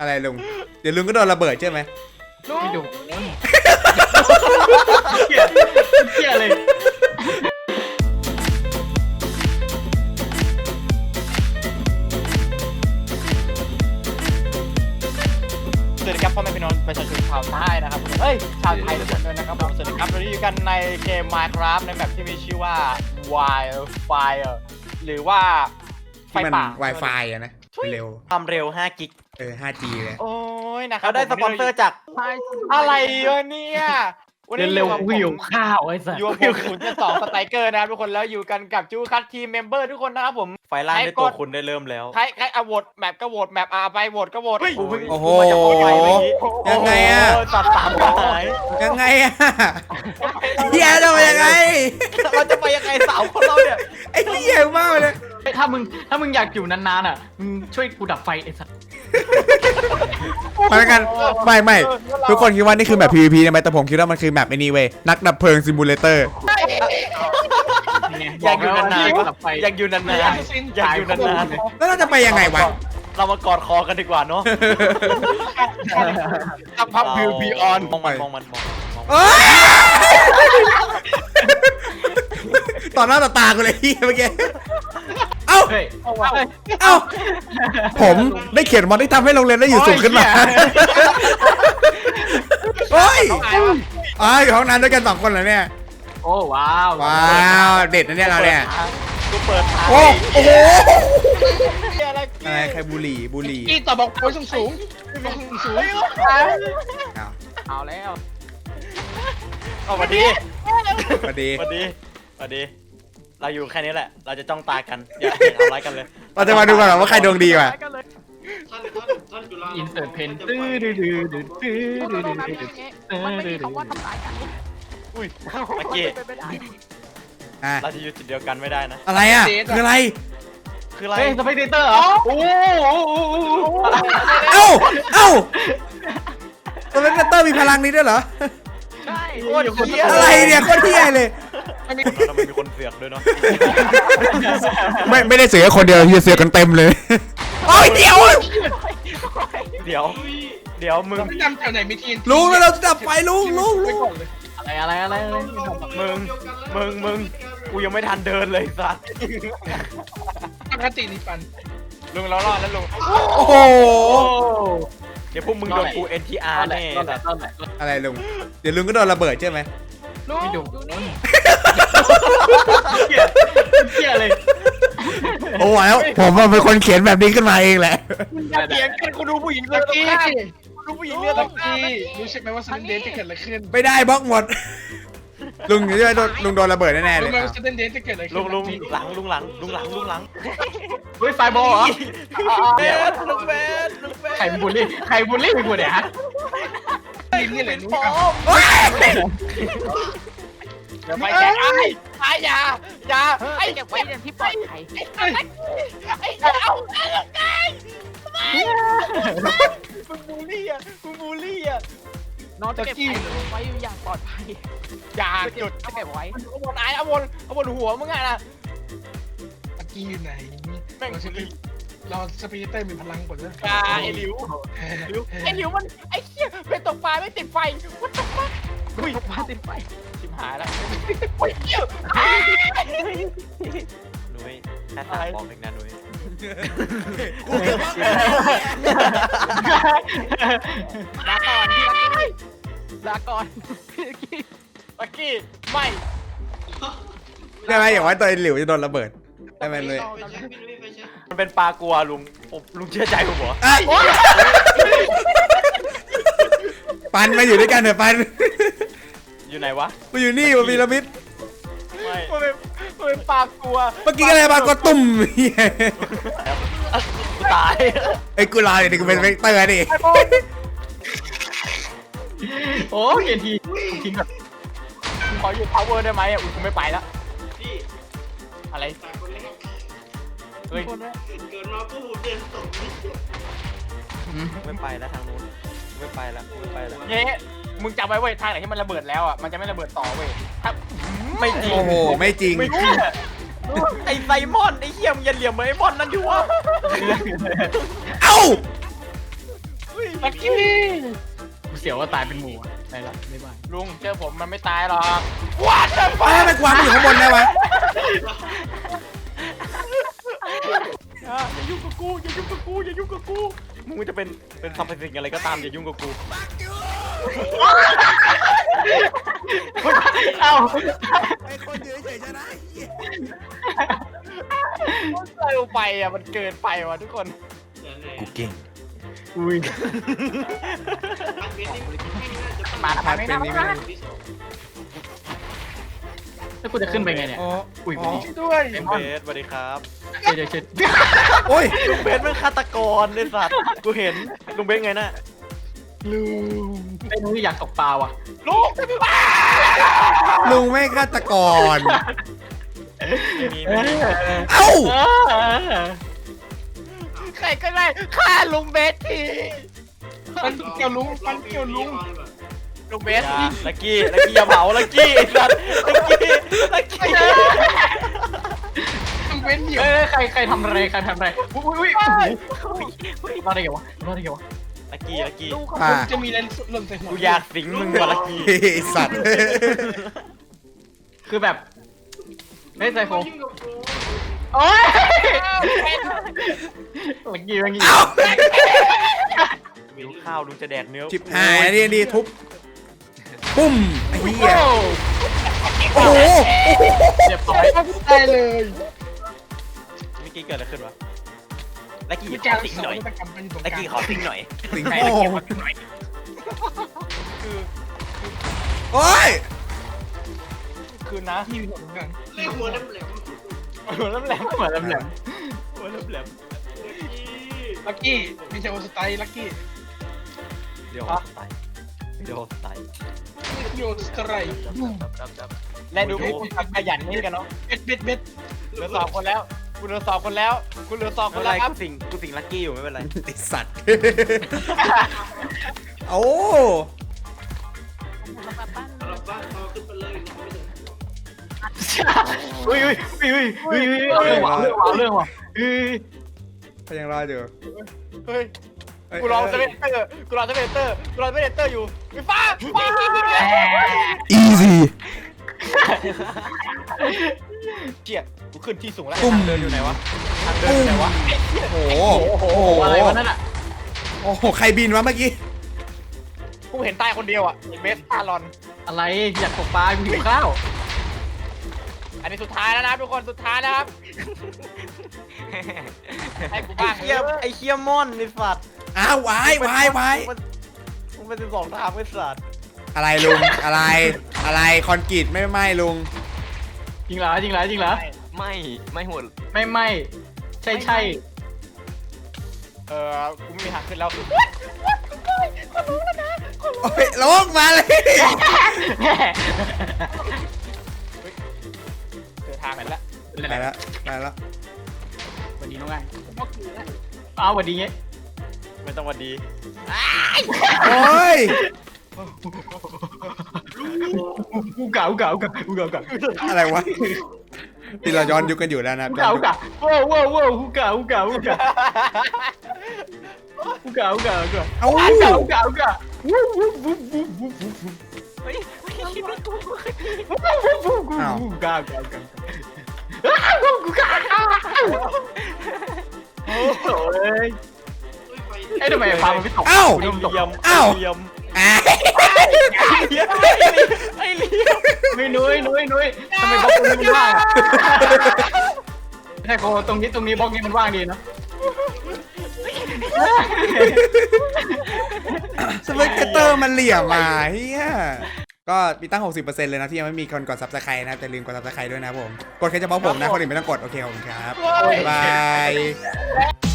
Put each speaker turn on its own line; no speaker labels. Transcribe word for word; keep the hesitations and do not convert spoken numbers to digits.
อะไรลุงเดี๋ยวลุงก็โดนระเบิดใช่ไหม
ลุงไม่ดู
เหี้ยเหี้ยเลย
สวัสดีครับพ่อแม่พี่น้องประชาชนชาวใต้นะครับเฮ้ยชาวไทยทุกคนด้วยนะครับผมสวัสดีครับเราอยู่กันในเกม Minecraft ในแบบที่มีชื่อว่า Wildfire หรือว่าไฟป่า
Wi-Fi อะนะเร็ว
ความเร็วห้ากิก
เออ ห้าจี เลย
โอ้ยนะครับเราได้สปอนเซอร์จากอะไรวะเนี่ย
วันนี้เร็วกูหิวข้าวไอ้สัส
อยู่กับผมศูนย์จุดสองสไตรเกอร์นะครับทุกคนแล้วอยู่กันกับจูคัททีมเมมเบอร์ทุกคนนะครับผม
ไฟล่างได้ตัวคุณได้เริ่มแล้ว
ใครใครเอาโหวตแมปก็โหวตแมปอ่ะไปโหวตก็โหวต
โอ้โหยังไงอะ
ตัดสามหาย
ยังไงอะเฮียจะไปยังไง
เราจะไปยังไงสาวคนเราเนี่ย
ไอ้เฮียมากเลย
ถ้ามึงถ้ามึงอยากอยู่นานๆอ่ะมึงช่วยกูดับไฟไอ้สัส
มาแล้วกันไม่ไม่ทุกคนคิดว่านี่คือแมป พี วี พี ใช่ไหมแต่ผมคิดว่ามันคือแมปไอ้นี่เว้ยนักดับเพลิงซิมูเลเตอร์
อยากอยู่นานๆอยากอยู่นานๆอยากอยู่นานๆ
แล้วเราจะไปยังไงวะ
เรามากอดคอกันดีกว่าเนาะ
สักพักพิวพีออน
มองมันมองมันมอง
ต่อหน้าต่อตากูเลยเฮียเมื่อกี้เอ้าเอ้าผมได้เขียนมอดที่ทำให้โรงเรียนได้อยู่สูงขึ้นมาโอ้ยอ๋ออยู่ห้องน้ำด้วยกันสองคนเหรอเนี่ย
โอ้ว้าว
ว้าวเด็ดนะเนี่ยเราเนี่ย
กูเปิด
โอ้โอ้โหอะไรใครบุหรี่บุหรี่
อีต่อบอกโอ้ยสูงสูงสูง
เอาแล้ว
เอามาดี
มาดี
มาดีมาดีเราอยู่แค่นี้แหละเราจะจ้องตากันอย่าทำร้ายกันเลย
เราจะมาดูกันว่าใครดวงดีกว่า
อินเสิร์ตเพนตื้อดื้อดื้อดื้อดื้อดื้อดื้อดื้อ
มันไม่มีคำว่าทำลายกัน
อุ้ยเมื่อกี้เราจะอยู่จุดเดียวกันไม่ได้นะ
อะไรอ่ะคืออะไร
คืออะไร
เฮ้ยสเปกเตอร์เหรอโอ้
เอ้าเอ้าสเปกเตอร์มีพลังนี้ด้วยเหรอ
ใช่
อะไรเนี่ยโคตรเที่ยเลย
ทำไมมีคนเสือกด้วยเนาะ
ไม่ไม่ได้เสือกคนเดียวที่เสือกกันเต็มเลยโอ้ยเดี๋ยว
เดี๋ยวเดี๋ยวมึง
จำแถวไหนมีทีน
ลุงแล้วเราจะดับไฟลุงลุงลุง
อะไรอะไรอะไร
มึงมึงมึงกูยังไม่ทันเดินเลยสัส
ปกตินี่ปัน
ลุงเรารอดแล้วลุง
โอ้โห
เดี๋ยวพวกมึงโดนกู เอ็น ที อาร์ แน่
อะไรลุงเดี๋ยวลุงก็โดนระเบิดใช่ไหม
ลุงไม่ดูเหี้ยเลย
โอ้แล้วผมเป็นคนเขียนแบบนี้ขึ้นมาเองแหละ
เขียนกันกูดูผู้หญิงเลือดกี้ดูผู้หญิงเลือดกี้
รู้ใช่ไหมว่าซันเดย์จะเกิดอะไรขึ้น
ไม่ได้บล็อกหมดลุงจะโดนลุงโดนระเบิดแน่ๆเลย
รู้ไหมว่าซันเดย์จะเกิดอะไรขึ้น
ลุงลุงหลังลุงหลังลุงหลังลุงหลัง
เฮ้ยไฟบอลเหรอ
เบสลุงเบสลุงเบส
ใครบูลลี่ใครบูลลี่กูเนี่ยฮะนี่เลยนุ้ง
อย่าไปแกไอ้ไอ้ยาอย่าไอ้เก็บไว้ในที่ปลอดภัยไอ้ไอ้เอาไอ้มึงบูลลี่อ่ะมึงบูลลี่อ่ะน้องจะเก็บไว้อย่างปลอดภัยอย่าจุดเก็บไว้เอาบนไอ้เอาบนเอาบนหัวมึงไงล่ะ
ตะกี้อยู่ไหนเราสปีดเตอร์มีพลังกว่าด้วย
ไอ้หลิวไอ้หลิวมันไอ้เหี้ยเป็นตกปลาไม่ติดไฟวัดตกปลาอุ้ยตกปลาติดไฟชิบหายแล้วโอ้ยเหี้ย
นุ้ยแค่สามบอมเองนะนุ้ย
ลาก่อนพี่ลักกี้ลาก่อนพี่ลักกี้ลักกี้ไม่
ได้ไหมอย่างว่าตัวหลิวจะโดนระเบิดได้ไหมเลย
มันเป็นปลากลัวลุงลุงเชื่อใจผมเหรอ
ปันมาอยู่ด้วยกันเถอะปัน
อยู่ไหนวะ
มาอยู่นี่มาพีระมิด
ไม่
มันเป็นมันเป็นปลากลัว
เมื่อกี้อะไรปลากลัวตุ่ม
กูตาย
ไอ้กูรอเดี๋ยวกูเป็นเวกเตอร์ดิ
โอ้ยทีทิ้งแบบ
ขออยู่ power ได้ไหมอ่ะอุ้ยกูไม่ไปแล้วอะไรเฮ้ย
เกินมาปุ๊บเดินตกไม่ไปแล้วทางนู้นไม่ไปแล้วไม่ไปแล้ว
เย้มึงจำไว้เว้ยทางไหนที่มันระเบิดแล้วอ่ะมันจะไม่ระเบิดต่อเว้ย
ไม่จริง
โอ้โหไม่จริง
ไอ้ไซมอนไอ้เหี้ยมยันเหลี่ยมเหมือนไอ้มอนนั่นอยู่วะ
เอ้า
ลักกี้
กูเสียวว่าตายเป็นหมูอะไปละไม่บาย
ลุงเจอผมมันไม่ตายหรอกว้าจะ
เอ้ยมันกวางมันอยู่ข้างบนได้วะ
อย่ายุ่งกับกูอย่ายุ่งกับกูอย่ายุ่งกับกูมึงจะเป็นเป็นซัมสิ่งอะไรก็ตามอย่ายุ่งกับกู
เอ้า
ไอ้คนยืนเฉยชนะ
เร็วไปอ่ะมันเกินไปว่ะทุกคน
กูเก่ง
อุ้ยมาทำไมไม่ได้แล้วกูจะขึ้นไปไงเนี่ย
อ๋อ
อุ้ย
อ๋อ
ด้วย
เบสสวัสดีครับ
เดี๋ยวเดี๋ยวเดี๋ยว
โอ้ย
ลุงเบสเป็นฆาตกรเลยสัตว์กูเห็นลุงเบสไงน่ะ
ลูก
ไอ้นุ้ยอยากตกปลาว่ะ
ลุง
ลุงไม่ฆาตกร
มี
เออ
เอ้า
เออ
ใครก็ได้ฆ่าลุงเบสที
ปันเกี่ยวลุงปันเกี่ยวลุง
ลุงเบสลักกี้ลักกี้อย่าเผาลักกี้ไอ้สัตว์ลักกี้ลักกี้
ลุงเว้นเหนียว
เอ้ยใครใครทำอะไรใครทำอะไรอุ้ยอุ้ยอุ้ยรอดได้ไงวะรอดได้ไงวะ
ลักกี้ลักกี้
อ่า
จะมีแรงสุดหล่นใส่หัว
กูอยากสิงมึงว่ะลักกี้
ไอ้สัตว์
คือแบบเฮ้ยไซโฟโอ้ยลักกี้ลักกี้
เอ้า
ลุงข้าวลุงจะแดกเนื้อ
ชิบหายอันนี่นี่ทุบ ปุ้มไอ้เหี้ยโอ้โห
เรียบร้อย
ตายเลย
เมื่อกี้เกิดอะไรขึ้นวะลักกี้
มี
ข
กา
อ
ร
สิง
สอ
หน่อย
นนวัตกรรมเป็นตรงก
ลัก
ลาง
กี้ขอสิงหน่อย
สิง
ไหน
โต
ลักกี้มาหน่อย
คือ
โอ้ย
คือนะ
ที่อยู่ตรงกลาง
หัวน้ำแหลมหัวน้ำแหลม
เหมือนแหลม
หัวน้ำแหลม
ลักกี้มีเชลสไตล์ลักกี้
เดี๋ยวตายเดี๋ยวตาย
โยสไตร์
และดูพวกคุณทำขยันนี่กันเนาะ
เบ็ดเบ็ดเบ็ด
เหลือสองคนแล้วกูเหลือสองคนแล้วกูเหลือสองค
ไม่
น
เป็นไร
แล้วครับ
กูสิงกูสิงลักกี้อยู่ไม่เป็นไร
ไอ้สัตว์ โอ้
อุ้ยอุ้ยอุ้ยอุ้ยอุ้ยเรื่องว่ะเรื่องว่ะเรื่องว่ะอุ้ย
เขายังรออยู่
เฮ้ย
เอ้ย
กูรอเซเว่นเตอร์กูรอเซเว่นเตอร์กูรอเซเว่นเตอร์อยู่ไฟฟ้าฟ้า
อีซี่
เจี๊ยกูขึ้นที่สูงแล้ว
ปุ้ม
เดินอยู่ไหนวะทางเดินอยู่ไหนวะ
โอ้โห
โอ้โหอะไรวะนั่นอ่ะ
โอ้โห ใครบินวะเมื่อกี้
กูเห็นใต้คนเดียวอ่ะเบสตาลอน
อะไรอยากตกปลากูหิวข้าว
อันนี้สุดท้ายแล้วนะทุกคนสุดท้ายนะครับให้กู
ไอ้
บ้าง
เคียไอ้เคียมอนไอ้สัตว์
อ้าววายวายวาย
มันมันเป็นสิบสองทางไอ้สัตว์
อะไรลุง อะไร อะไร คอนกรีตไม่ไหม้ลุง
จริงเหรอจริงเหรอจริงเหรอ
ไม่ไม่หมด
ไม่ไม่ใช่ใช่
เออกูไม่มีทางขึ้นแล้ว
โอ้ยลงมาเลย
เจอทางนั้นละ
ไปแล้วไปแล้ว
วันนี้น้องไงอ้าววันนี้เงี้ย
ไม่ต้องวันดี
โอ้ย
กูเก่ากูเก่ากูเก่ากูเก่ากูเก่า
อะไรวะที่เราย้อนยุคกันอยู่แล้วนะ
กูเก่ากูเก่าว้าวว้าวว้าวกูเก่ากูเก่ากูเก่ากูเก่ากูเก่ากูเก่า
เอ้า
กูเก่ากูเก่ากูเก่าวู้วู้วู้วู้วู้วู้วู้
เฮ้ยไม่คิดว่ากู
กูเก่ากูเก่ากูเก่ากูเก่าโอ้ยไอ้ทำไมปลามันไม่ตก
เอ้า
กูโดนตก
เลี่ยม
อ้าว
เลี่ยม
อ่ะ
ไอ้เลี่ยม
ไม่นุ้ยนุ้ยนุ้ยทำไมบล็อกตรงนี้มันว่างอ่ะใช่โคตรงนี้ตรงนี้บล็อกนี้มันว่างดีนะ
สเปกเตอร์มันเหลี่ยมมาเฮียก็มีตั้ง หกสิบเปอร์เซ็นต์ เลยนะที่ยังไม่มีคนกดซับสไครต์นะแต่ลืมกดซับสไครต์ด้วยนะผม กดแค่เฉพาะผมนะ คนอื่นไม่ต้องกด โอเคขอบคุณครับ บ๊ายบาย